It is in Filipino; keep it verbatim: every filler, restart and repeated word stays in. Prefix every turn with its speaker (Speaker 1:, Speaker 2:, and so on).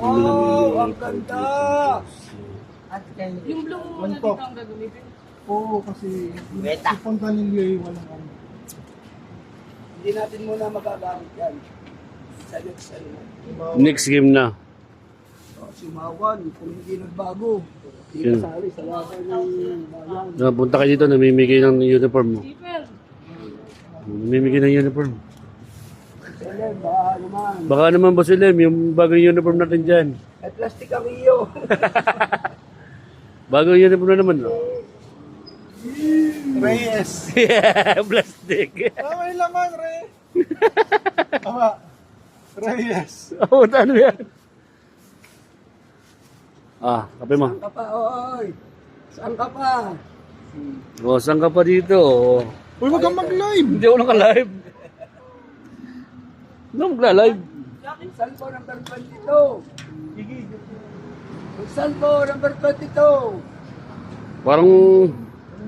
Speaker 1: Wow, ang ganda!
Speaker 2: At kay
Speaker 3: Yung blue mo
Speaker 4: One
Speaker 3: na
Speaker 4: pop.
Speaker 3: dito ang gagamitin.
Speaker 4: Oo, kasi
Speaker 2: Beta.
Speaker 4: si Fontanillo yung walang ano.
Speaker 1: Hindi natin muna magagamit yan. Sa next ano.
Speaker 5: Next game na.
Speaker 1: Oh, si Mawan, kung hindi nagbago. Hindi
Speaker 5: Yun.
Speaker 1: kasali sa laban ng bayan.
Speaker 5: Napunta kayo dito, namimigay ng uniform mo.
Speaker 3: Zipper.
Speaker 5: Namimigay ng uniform.
Speaker 1: Selen, baka naman.
Speaker 5: Baka naman Boss Lem, yung bagong uniform natin dyan.
Speaker 1: Ay, plastic ang iyo.
Speaker 5: Bagong uniform na naman. No?
Speaker 4: Reyes.
Speaker 5: Yeah, plastic.
Speaker 4: Ah, may laman, Re. Tama. Reyes.
Speaker 5: Oo, oh, ano yan? Ah, kape mo.
Speaker 1: Saan ka pa, oy? Saan ka pa?
Speaker 5: O, saan ka pa dito? O,
Speaker 4: Uy, wag kang mag-live.
Speaker 5: hindi ako naka-live. Ano magla-live?
Speaker 1: Saan po number twenty-two? Saan po number twenty-two?
Speaker 5: Parang